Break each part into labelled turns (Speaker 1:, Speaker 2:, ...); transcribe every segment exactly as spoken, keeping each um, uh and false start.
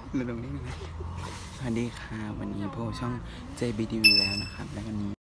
Speaker 1: มาตรงนี้นะสวัสดีค่ะวันนี้โพช่อง เจ บี ที วี แล้วนะครับและวันนี้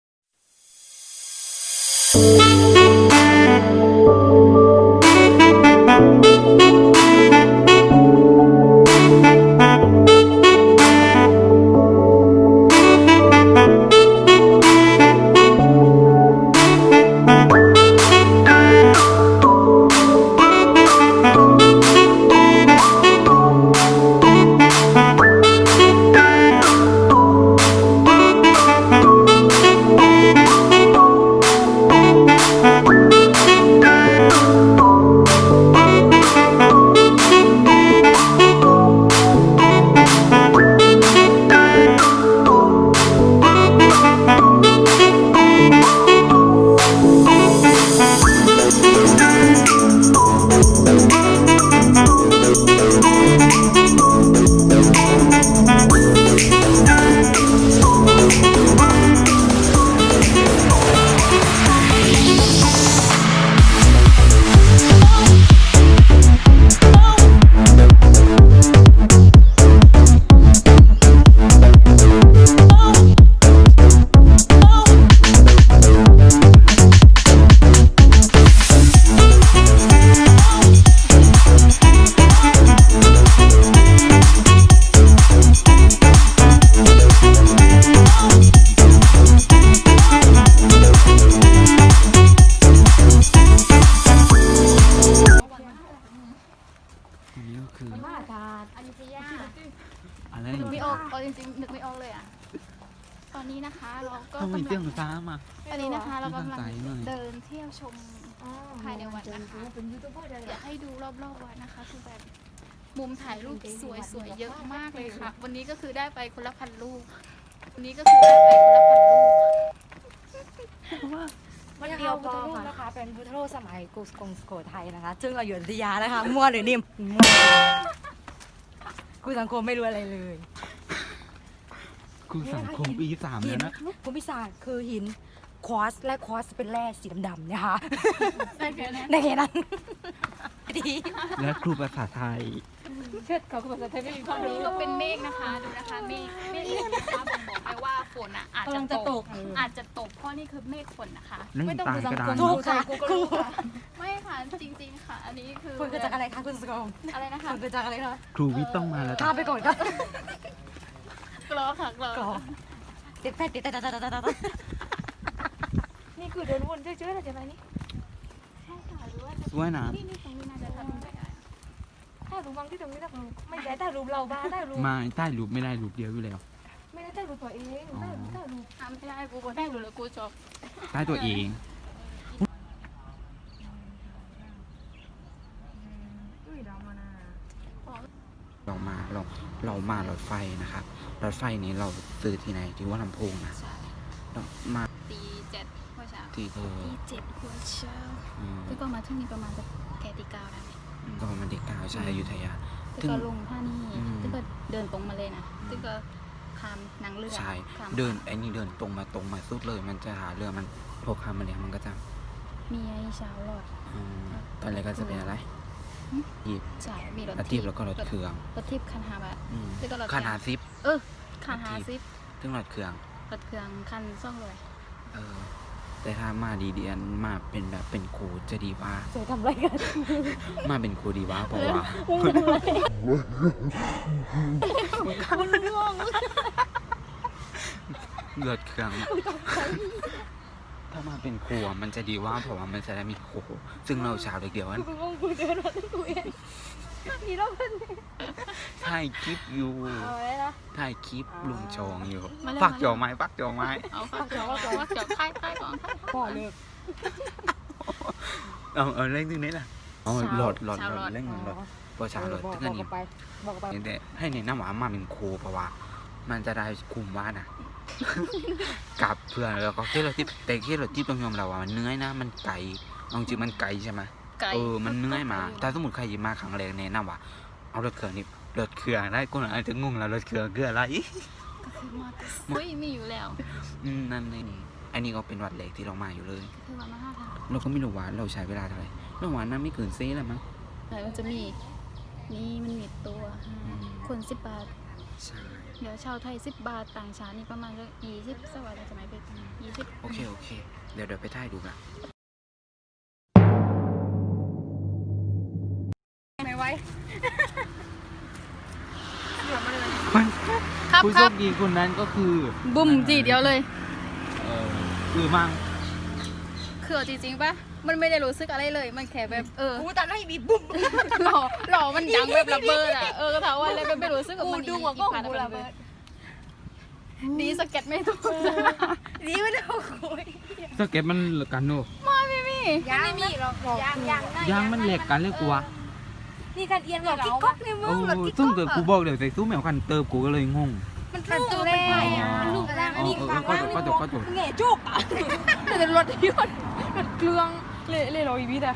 Speaker 1: อันนี้ก็คือ
Speaker 2: มาทานอยุธยา
Speaker 1: อะไร
Speaker 2: นึกไม่ออกเอาจริงๆนึกไม่ออกเลยอ่ะตอนนี้นะคะเราก็
Speaker 1: ต้องมี
Speaker 2: กำ
Speaker 1: เตี้
Speaker 2: ลั
Speaker 1: ย
Speaker 2: ง
Speaker 1: งฟ้ามา
Speaker 2: ตอนนี้นะคะเรากำลัง
Speaker 1: ไม่เข้าใจหน่อย
Speaker 2: เดินเที่ยวชมภายในวัดนะคะอยากให้ดูรอบๆวัดนะคะคือแบบมุมถ่ายรูปสวยๆเยอะมากเลยค่ะวันนี้ก็คือได้ไปคนละพันรูปวันนี้ก็คือได้ไปคนละพันรูป
Speaker 3: วันเดียวพอค่ะนะคะเป็นพุทธรูปสมัยกรุงกรุงสุโขทัยนะคะซึ่งเราอยู่อยุธยานะคะมั่วหรือนิ่มมั่วคุณสังคมไม่รู้อะไรเลย
Speaker 1: ครูสังคมปีสาม
Speaker 3: หิ
Speaker 1: แล้ว
Speaker 3: น
Speaker 1: นะ
Speaker 3: ภูมิศาสตร์คือหินควอสและควอสเป็นแร่สีดำๆเนี่ยค่ะ
Speaker 2: ได้แค่นั้น
Speaker 3: ในแค่นั้นดี
Speaker 1: และครูภาษาไทย
Speaker 3: เชิดเขาภาษาไทยไม่มีความ
Speaker 2: วันนี้
Speaker 3: รู้
Speaker 2: ก็เป็นเมฆนะคะดูนะคะเมฆเมฆนะคะบ่งบอกไปว่าฝนอ่ะอาจ
Speaker 3: กำลั
Speaker 2: จะ
Speaker 3: งจะ
Speaker 2: ต
Speaker 3: ต
Speaker 2: ก
Speaker 3: ก
Speaker 2: อาจจะตกเพราะนี่คือเมฆฝนนะคะ
Speaker 1: นั่งตายกระดาน
Speaker 3: ถูกค่ะครู
Speaker 2: ไม่ค่ะจริงๆค่ะ อันนี้คือ
Speaker 3: คุณเกิดจากอะไรคะคุณสังคม
Speaker 2: อะไรนะคะ
Speaker 3: คุณเกิดจากอะไรคะ
Speaker 1: ครูวิทย์ต้องมาแล้ว
Speaker 3: ข้ามไปก่อนครับ
Speaker 2: กรอค่ะกรอ
Speaker 3: ก่อนติดแพทย์ติดแต่แต่แต่แต่
Speaker 4: นี่คือเดินวนเฉยๆเลยใช่ไหมนี่
Speaker 2: ใช่ค่ะหรือว่าจะ
Speaker 1: สวยนะ
Speaker 2: นี่นี่ตรงนี้น่าจะทำได้
Speaker 4: ถ้ารูปบางที่ตรงนี้ถ้ารูปไม่ได้ถ้ารูปเราบ้าถ้ารูป
Speaker 1: มาใต้รูปไม่ได้รูปเดียวอยู่แล้ว
Speaker 4: ไม่ได้ถ้ารูปตัวเองถ้าถ้ารูป
Speaker 2: ทำไม่ได้กูก็ได้หรือกูจบ
Speaker 1: ใต้ตัวเอง
Speaker 4: อุ้ยดาวมานา
Speaker 1: เรามาเราเรามารถไฟนะครับรถไฟนี้เราซื้อที่ไหนที่ว่าลำโพงนะเรามา
Speaker 2: ตีเจ็ดหัวเช้า
Speaker 1: ที่เออ
Speaker 2: ตีเจ็ดหัวเช้า
Speaker 1: อืม
Speaker 2: แล้วก็มาที่นี่ประมาณจะแกตีเก้าได้ไหม
Speaker 1: ก็มาเด็กกาวชายอยุธยา
Speaker 2: แล้วก็ลงท่านี่
Speaker 1: อืม
Speaker 2: แล้วก็เดินตรงมาเลยนะแล้วก็ข้ามนางเรือ
Speaker 1: ใช่
Speaker 2: ข้าม
Speaker 1: เดินไอ้นี่เดินตรงมาตรงมาสุดเลย มันจะหาเรือมันพอคำมาเนี่ยมันก็จะ
Speaker 2: มีไอ้เช้าหลอด
Speaker 1: อืมตอนแรกก็จะเป็นอะไร
Speaker 2: หึ
Speaker 1: หยิบ
Speaker 2: ใช่มีรถ
Speaker 1: รถทิพย์แล้วก็รถเครื่อง
Speaker 2: รถทิพย์คันหาบะ
Speaker 1: อืม
Speaker 2: แล้วก็รถ
Speaker 1: คันหาซิป
Speaker 2: เออคันหาซิป
Speaker 1: ซึ่งรถเครื่อง
Speaker 2: รถเครื่องคันซ่องเลย
Speaker 1: เออแต่ถ้ามาดีเดียนมาเป็นแบบเป็นครูจะดีว่า
Speaker 3: สวยทำไรกัน
Speaker 1: มาเป็นครูดีว่าเพราะว่า เลือดเครื่องถ้ามาเป็นครูอะมันจะดีว่าเพราะว่ามันจะได้มีครูซึ่งเราชาวเด็กเดียวนั้น
Speaker 3: คุณงงคุณเดินมาตั้งตัวเองนี่เราเป็น
Speaker 1: ถ่ายคลิปอยู่
Speaker 3: เอาไว้นะ
Speaker 1: ถ่ายคลิปลุงชองอยู่
Speaker 2: มาเร็ว
Speaker 1: ปัก
Speaker 2: มา
Speaker 1: จ
Speaker 2: เร็
Speaker 1: อ
Speaker 2: ว
Speaker 1: ไม้ปักจอไม้
Speaker 2: เอาค่ะเดี๋ยวเดี๋ยวเดี๋ยวค่ายค่ายก่อนค่าย
Speaker 3: พ่อเลิก
Speaker 1: เอาเอาเล่นตรงนี้แหละเอาหลอดหลอด
Speaker 2: ชาว
Speaker 1: หล
Speaker 2: หล
Speaker 1: อ
Speaker 2: อ
Speaker 1: ด
Speaker 2: ด
Speaker 1: เล่นหลอดพอชาวหลอด
Speaker 3: บอก
Speaker 1: ตึ้ง
Speaker 3: บ
Speaker 1: อั
Speaker 3: อน ก
Speaker 1: นี้
Speaker 3: ไปบอกไป
Speaker 1: แต่ให้แนะนำว่ามาเป็นครูเพราะว่า มันจะได้คุมว่านะ กับเพื่อนแล้วก็ที่เราที่แต่ที่เราที่ต้องยอมเราว่ามันเหนื่อยนะ มันไกลเอาจริงมันไกลใช่ไหม
Speaker 2: ไก่
Speaker 1: เออมันเหนื่อยมาถ้าสมมติใครมาครั้งแรกแนะนำว่าเอารถเครื่องนี่รถเครื่องได้คนอาจจะงงแล้วรถเครื่องคืออะไร
Speaker 2: ก็คือมอเตอร์ไซค์มีอยู่แล้ว
Speaker 1: อืมนั่นนี่อันนี้ก็เป็นวัดเล็กที่เรามาอยู่เลย
Speaker 2: ก็คือว่ามาห้าทาง
Speaker 1: เราก็ไม่รู้ว่าเราใช้เวลาเท่าไหร่เราว่าน่าไม่เกินเซ่แล้วมั้ง
Speaker 2: ไหนมันจะมีนี่มันมีตัวคนสิบบาท
Speaker 1: ใช่
Speaker 2: เดี๋ยวชาวไทยสิบบาทต่างชาตินี่ประมาณสักยี่สิบสวัสดีสมัยเป็นยี่สิบ
Speaker 1: โอเคโอเคเดี๋ยวเดี๋ยวไปถ่ายดูนะ
Speaker 3: ไม่ไหว
Speaker 2: ครับ
Speaker 1: ผู้
Speaker 2: ค
Speaker 1: โช
Speaker 2: รับ
Speaker 1: คดีคนนั้นก็คือ
Speaker 2: บุ้มจีเดียวเลย
Speaker 1: เออคือมัง
Speaker 2: คือเอาจริงๆปะมันไม่ได้รู้สึกอะไรเลย มันแค่แบบเออ
Speaker 3: กูแต่ไม่มีบุ้ม
Speaker 2: หล่อหล่อมันดังแบบระเบิดอ่ะ เออก็ถามว่าอะไรก็ไม่รู้สึกว่า
Speaker 3: กู
Speaker 2: มัน
Speaker 3: ดูหัวก็
Speaker 2: ผ่าน
Speaker 3: กู
Speaker 2: ไประ
Speaker 3: เบิด
Speaker 2: ดีสเก็ตไม่ถูก
Speaker 3: นี่ไม่ได้คุย
Speaker 1: สเก็ตมันเหลือกันโน่
Speaker 2: มาพี่มี่
Speaker 3: ยังไม่มีหรอกยังยัง
Speaker 1: ยางมันเหล็กกันเลยกูวะ
Speaker 3: นี่การเอียนหลอกกิ๊กก๊อกในมื
Speaker 1: โอ้
Speaker 3: อหลอกกิ๊ก
Speaker 1: ซึ่ง
Speaker 3: ก๊
Speaker 1: เกิ
Speaker 3: อ
Speaker 1: ด
Speaker 3: ก
Speaker 1: กูบอกเดี๋ยวใส่สู้แมวคันเติบกูก็เลยงง
Speaker 3: มันลูกเลยมันลูกอะไรมันมีความ
Speaker 1: ก็จบก็จบก็จบ
Speaker 3: แง่จุกอ่ะ
Speaker 2: แต่รถยนต์รถเครื่องเละเละร้อยวิทย์อะ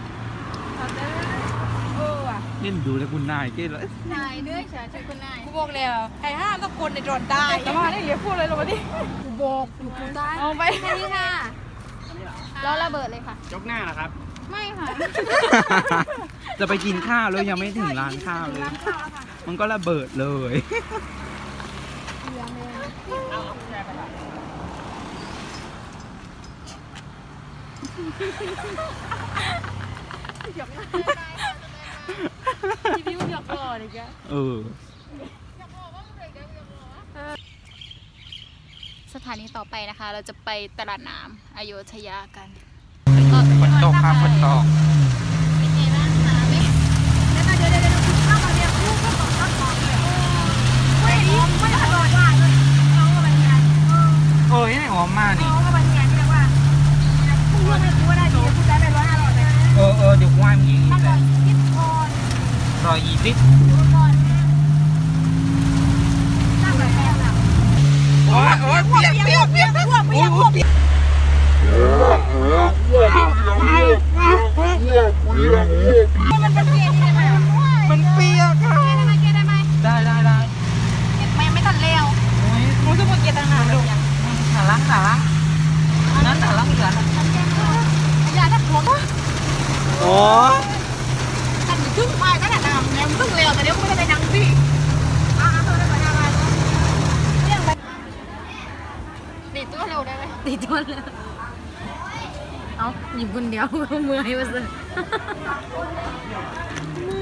Speaker 3: เออว่ะ
Speaker 1: เล่นดูแล้วคุณนายเก้เลย
Speaker 2: นายเนื้อฉาชื่อคุณนาย
Speaker 3: กูบอกแล้วไอ้ห้ามต้องคนในโดนได้
Speaker 2: แต่ว่าได้เหลือพูดเลยหรอวะดิ
Speaker 3: กูบอกอยู่กูได้
Speaker 2: เอาไป
Speaker 3: แค่นี้ค่ะ
Speaker 2: แล้วระเบิดเลยค่ะ
Speaker 5: ยกหน้านะครับ
Speaker 2: ไม่ค่ะ
Speaker 1: จะไปกินข้าวเลยยังไม่ถึงร้านข้าวเลย มันก็ระเบิดเลย
Speaker 3: พี่พิวหยอกหล่อเลยแก
Speaker 1: เออ
Speaker 2: สถานีต่อไปนะคะ เราจะไปตลาดน้ำอโยธยากัน
Speaker 1: ฝนตกครับฝนตก
Speaker 2: เป็นไงบ้างคะไม่
Speaker 3: เดี๋ยวเดี๋ยวเดี๋ยวเดี๋ยวข้าวมาเนี่ยลูกก็ตกข้าวของเลยเฮ้ยไม่ได้หลอดว่าเลยน้องก็เป็นไง
Speaker 1: เอ้ยไหนหอมมากนี่
Speaker 3: น้องก็เป็นไงที่เรียกว่าพูดไม่พูดได้ดีพูดได้ไปร้อยห้าร้อยเลย
Speaker 1: เออเออเดี๋ยวว่ามีอี
Speaker 3: ถ้าก เกิ
Speaker 1: แล้
Speaker 3: ด
Speaker 1: ว
Speaker 3: คิดก่อน
Speaker 1: รอยยี่สิบ
Speaker 3: ดูก่อนถ้าแบบแม่แบบ
Speaker 1: โอ้ยโอ้ยเปียกเปียกเปียก
Speaker 3: พวกเปียกพวกเปียก มันเป็นเปียกนี่ได้ไหม
Speaker 1: มันเปียกค่ะ
Speaker 3: ได้ไหมเกได้ไหม
Speaker 1: ได้ได้ได้
Speaker 3: ไม่ไม่ตัดเร็ว
Speaker 1: โอ้ย
Speaker 3: หมูจะหมดเกียร์ต่างหากดู
Speaker 1: หาล้างหาล้างนั้นหาล้างเหลือ
Speaker 3: อย่าถ้าพวง
Speaker 1: โอ้ย
Speaker 3: อันนี้ตึ้งมาก็แต่น้ำเนี่ยตึ้งเร็วแต่เดี๋ยวกูไม่ได้ไปนั่งสิอ่าเขาได้ไปนั่งอะไรเรื่องไป
Speaker 2: ติดตัวเร็วได้ไหม
Speaker 3: ตีตัวเลยเอาหยิบคนเดียวเมื่อยมาสิเมื่